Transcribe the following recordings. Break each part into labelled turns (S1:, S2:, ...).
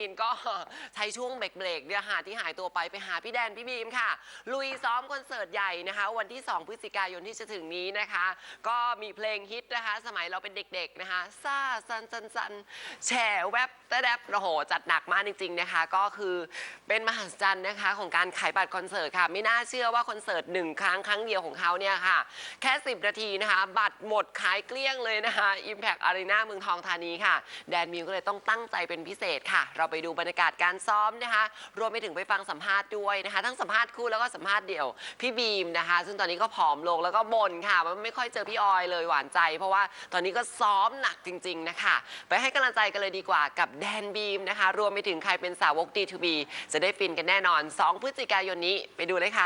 S1: ก็ใช้ช่วงเบรกเนี่ยค่ะที่หายตัวไปหาพี่แดนพี่บีมค่ะลุยซ้อมคอนเสิร์ตใหญ่นะคะวันที่2พฤศจิกายนที่จะถึงนี้นะคะก็มีเพลงฮิตนะคะสมัยเราเป็นเด็กๆนะคะซ่าซันแฉแวบแต่แดบโอ้โหจัดหนักมากจริงๆนะคะก็คือเป็นมหัศจรรย์นะคะของการขายบัตรคอนเสิร์ตค่ะไม่น่าเชื่อว่าคอนเสิร์ต1 ครั้งเดียวของเขาเนี่ยค่ะแค่10 นาทีนะคะบัตรหมดขายเกลี้ยงเลยนะคะ Impact Arena เมืองทองธานีค่ะแดนมิวก็เลยต้องตั้งใจเป็นพิเศษค่ะเราไปดูบรรยากาศการซ้อมนะคะรวมไปถึงไปฟังสัมภาษณ์ด้วยนะคะทั้งสัมภาษณ์คู่แล้วก็สัมภาษณ์เดี่ยวพี่บีมนะคะซึ่งตอนนี้ก็ผอมลงแล้วก็บ่นค่ะว่าไม่ค่อยเจอพี่ออยเลยหวานใจเพราะว่าตอนนี้ก็ซ้อมหนักจริงๆนะคะไปให้กำลังใจกันเลยดีกว่ากับแดนบีมนะคะรวมไปถึงใครเป็นสาวก D2B จะได้ฟินกันแน่นอน2 พฤศจิกายนนี้ไปดูเลยค่ะ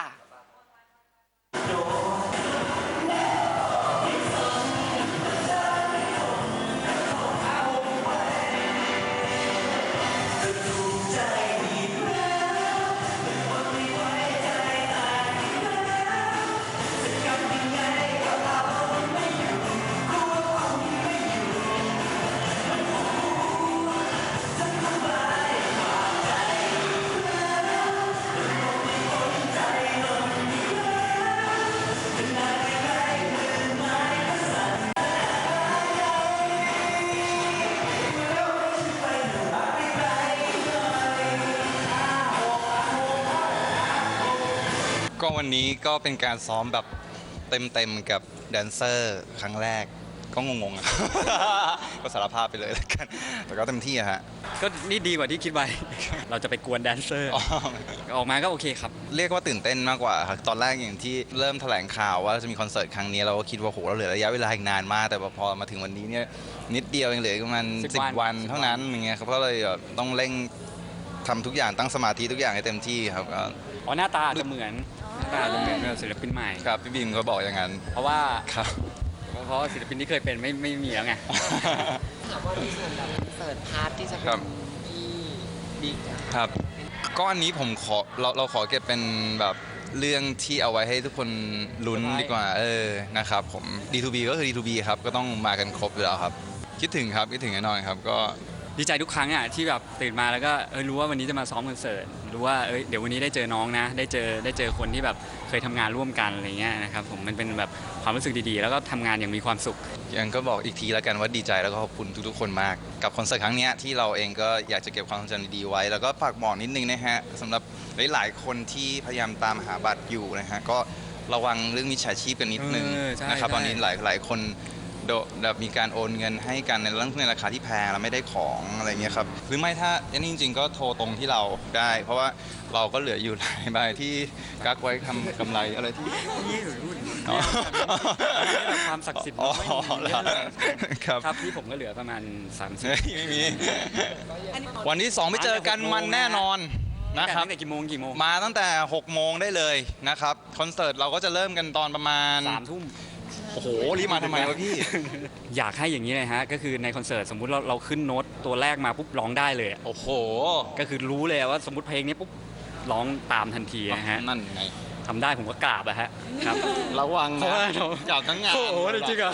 S2: ก็วันนี้ก็เป็นการซ้อมแบบเต็มกับแดนเซอร์ครั้งแรกก็งงๆ ก็สารภาพไปเลยแล้วกันแต่ก็เต็มที่อะฮะ
S3: ก็นี่ดีกว่าที่คิดไว้ เราจะไปกวนแดนเซอร์ออกมาก็โอเคครับ
S2: เรียกว่าตื่นเต้นมากกว่าครับตอนแรกอย่างที่เริ่มแถลงข่าวว่าจะมีคอนเสิร์ตครั้งนี้เราก็คิดว่าโหเราเหลือระยะเวลาอีกนานมากแต่พอมาถึงวันนี้เนี่ยนิดเดียวเองเหลือประมาณ10 วันเท่านั้นอย่างเงี้ยครับก็เลยต้องเร่งทำทุกอย่างตั้งสมาธิทุกอย่างให้เต็มที่ครับ
S3: หน้าตาจะเหมือนศิลปินใหม่
S2: ครับพี่บีมก็บอกอย่างนั้น
S3: เพราะว่า
S2: ครับ
S3: เพราะศิลปินที่เคยเป็นไม่มีแล้วไง
S1: ถามว่ามีส่วนแบบคอนเสิร์ตพาร์ทที่จะเป็นพี่บิ๊ก
S2: ครับก็อันนี้ผมขอเราขอเก็บเป็นแบบเรื่องที่เอาไว้ให้ทุกคนลุ้นดีกว่านะครับผม D2B ก็คือ D2B ครับก็ต้องมากันครบอยู่แล้วครับคิดถึงแน่นอนครับก็
S3: ดีใจทุกครั้งอ่ะที่แบบตื่นมาแล้วก็รู้ว่าวันนี้จะมาซ้อมคอนเสิร์ตรู้ว่าเดี๋ยววันนี้ได้เจอน้องนะได้เจอคนที่แบบเคยทำงานร่วมกันอะไรเงี้ยนะครับผมมันเป็นแบบความรู้สึกดีๆแล้วก็ทำงานอย่างมีความสุข
S2: ยังก็บอกอีกทีแล้วกันว่าดีใจแล้วก็ขอบคุณทุกๆคนมากกับคอนเสิร์ตครั้งนี้ที่เราเองก็อยากจะเก็บความทรงจำดีๆไว้แล้วก็ฝากบอกนิดนึงนะฮะสำหรับหลายๆคนที่พยายามตามหาบัตรอยู่นะฮะก็ระวังเรื่องมิจฉาชีพกันนิดนึงนะครับตอนนี้หลายคนแบบมีการโอนเงินให้กันในเรื่องในราคาที่แพงแล้วไม่ได้ของอะไรเงี้ยครับหรือไม่ถ้าอย่างนี้จริงๆก็โทรตรงที่เราได้เพราะว่าเราก็เหลืออยู่หลายใบที่กักไว้ทำกำไรอะไรที่
S3: นี่หรือรุ่นความศักดิ์สิทธิ์ครับที่ผมก็เหลือประมาณ30
S2: ไม่มีวันที่2ไม่เจอกันมันแน่นอนนะครับ
S3: ตั้งแต่กี่โมง
S2: มาตั้งแต่6 โมงได้เลยนะครับคอนเสิร์ตเราก็จะเริ่มกันตอนประมาณ
S3: 3 ทุ่ม
S2: โอ้โหรีบมาทำไมวะพี่
S3: อยากให้อย่างนี้เลยฮะก็คือในคอนเสิร์ตสมมุติเราขึ้นโน้ตตัวแรกมาปุ๊บร้องได้เลย
S2: โอ้โห
S3: ก็คือรู้เลยว่าสมมติเพลงนี้ปุ๊บร้องตามทันทีนะฮะ
S2: นั่นไง
S3: ทำได้ผมก็กราบอะฮะครับ
S2: ระวังนะจับทั้งงาน
S3: โอ้โหจริงเหรอ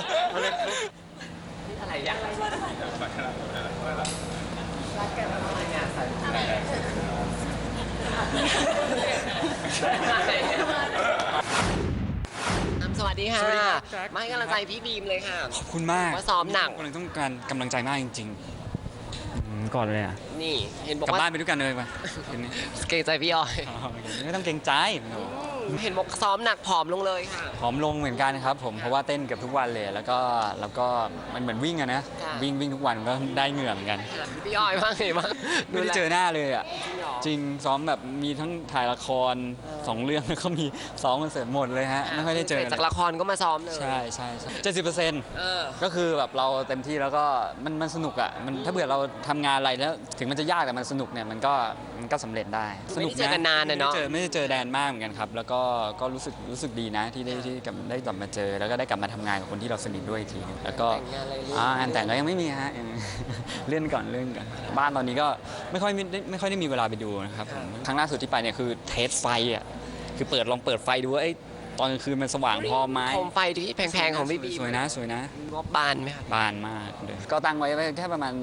S1: อะไรอย่างรักกันอะไรงานสวัสดีค่ะมาให้กำลังใจพี่บีมเลยค่ะ
S3: ขอบคุณมาก
S1: ว่าซ้อมหนัก
S3: คนต้องการกำลังใจมากจริงๆก่อนเลยอ่ะ
S1: นี่เห็นบอก
S3: ว่า กลับบ้านไปด้วยกันเลยไป
S1: เกรงใจพี่ออย
S3: ไม่ต้องเกรงใจ
S1: เห็นบอกซ้อมหนักผอมลงเลยค่ะ
S3: ผอมลงเหมือนกันครับผมเพราะว่าเต้นเกือบทุกวันเลยแล้วก็มันเหมือนวิ่งอะนะวิ่งทุกวันก็ได้เหงื่อเหมือนกัน
S1: พี่ออยบ้างไงบ้าง
S3: ไม่ได้เจอหน้าเลยอ่ะจริงซ้อมแบบมีทั้งถ่ายละคร2 เรื่องแล้วก็มีซ้อมคอนเสิร์ตหมดเลยฮะไม่ค่อยได้เจอ
S1: จากละครก็มาซ้อมเลย
S3: ใช่70%ก็คือแบบเราเต็มที่แล้วก็มันสนุกอ่ะมันถ้าเผื่อเราทำงานอะไรแล้วถึงมันจะยากแต่มันสนุกเนี่ยมันก็สำเร็จได้
S1: สนุกเจอกันนานเนาะ
S3: ไม่ได้เจอแดนมากเหมือนกันครับแล้วก็รู้สึกดีนะที่ได้กลับมาเจอแล้วก็ได้กลับมาทำงานกับคนที่เราสนิทด้วยอีกทีนึงแล้วก็งานแต่งก็ยังไม่มีฮะเลื่อนก่อนบ้านตอนนี้ก็ไม่ค่อยได้มีเวลาไปดูนะครับครั้งล่าสุดที่ไปเนี่ยคือเทสไฟอ่ะคือลองเปิดไฟดูว่าตอนกลางคืนมันสว่างพอไหม
S1: โคมไฟที่แพงๆของพี่บี
S3: สวยนะ
S1: งบบานไหมครับ
S3: บานมากเลยก็ตั้งไว้แค่ประมาณ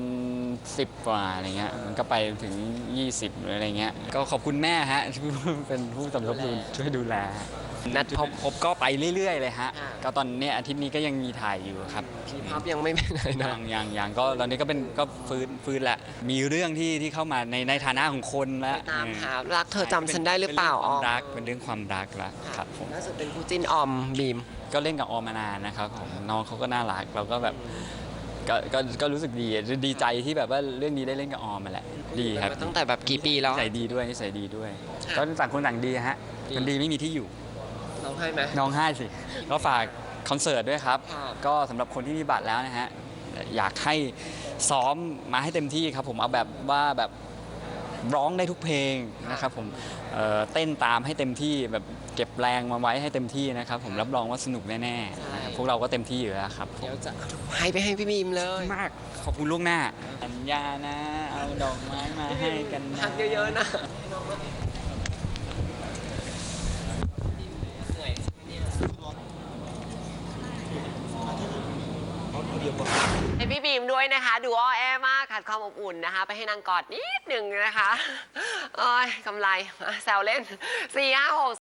S3: 10 กว่าอะไรเงี้ยมันก็ไปถึง 20หรืออะไรเงี้ยก็ขอบคุณแม่ฮะที่เป็นผู้สมทบทุนช่วยดูแลนัดพบก็ไปเรื่อยๆเลยฮะก็ตอนเนี้ยอาทิตย์นี้ก็ยังมีถ่ายอยู่ครับ
S1: ทีพับยังไม่ไปไหนนะ
S3: ยังก็ตอนนี้ก็เป็นก็ฟื้นละมีเรื่องที่เข้ามาในฐานะของคนละ
S1: ตามหารักเธอจำฉันได้หรือเปล่าอ๋อ
S3: เป็นเรื่องความรักละครับผม
S1: ล่าสุดเป็นคู่จิ้นออมบีม
S3: ก็เล่นกับออมมานานนะครับผมน้องเขาก็น่ารักเราก็แบบก็รู้สึกดีใจที่แบบว่าเรื่องนี้ได้เล่นกับออมมาแหละดีครับ
S1: ตั้งแต่แบบกี่ปีแล้ว
S3: นิสัยดีด้วยนิสัยดีด้วยก็ต่างคนต่างดีฮะคนดีไม่มีที่อยู่
S1: น้องให้ไหม
S3: น้องให้สิก็ฝากคอนเสิร์ตด้วยครับ
S1: ค่ะ
S3: ก็สำหรับคนที่มีบัตรแล้วนะฮะอยากให้ซ้อมมาให้เต็มที่ครับผมเอาแบบว่าแบบร้องได้ทุกเพลงนะครับผมเต้นตามให้เต็มที่แบบเก็บแรงมาไว้ให้เต็มที่นะครับผมรับรองว่าสนุกแน่ๆนะครับพวกเราก็เต็มที่อยู่แล้วครับ
S1: เดี๋ยวจะให้ไปให้พี่บีมเลย
S3: มากขอบคุณล่วงหน้าสัญญานะเอาดอกไม้มาให้กันนะ
S1: พักเยอะๆนะให้พี่บีมด้วยนะคะดูอ้อแอมากขาดความอบอุ่นนะคะ ไปให้นางกอดนิดหนึ่งนะคะโอ้ยกำไรแซวเล่น4 5 6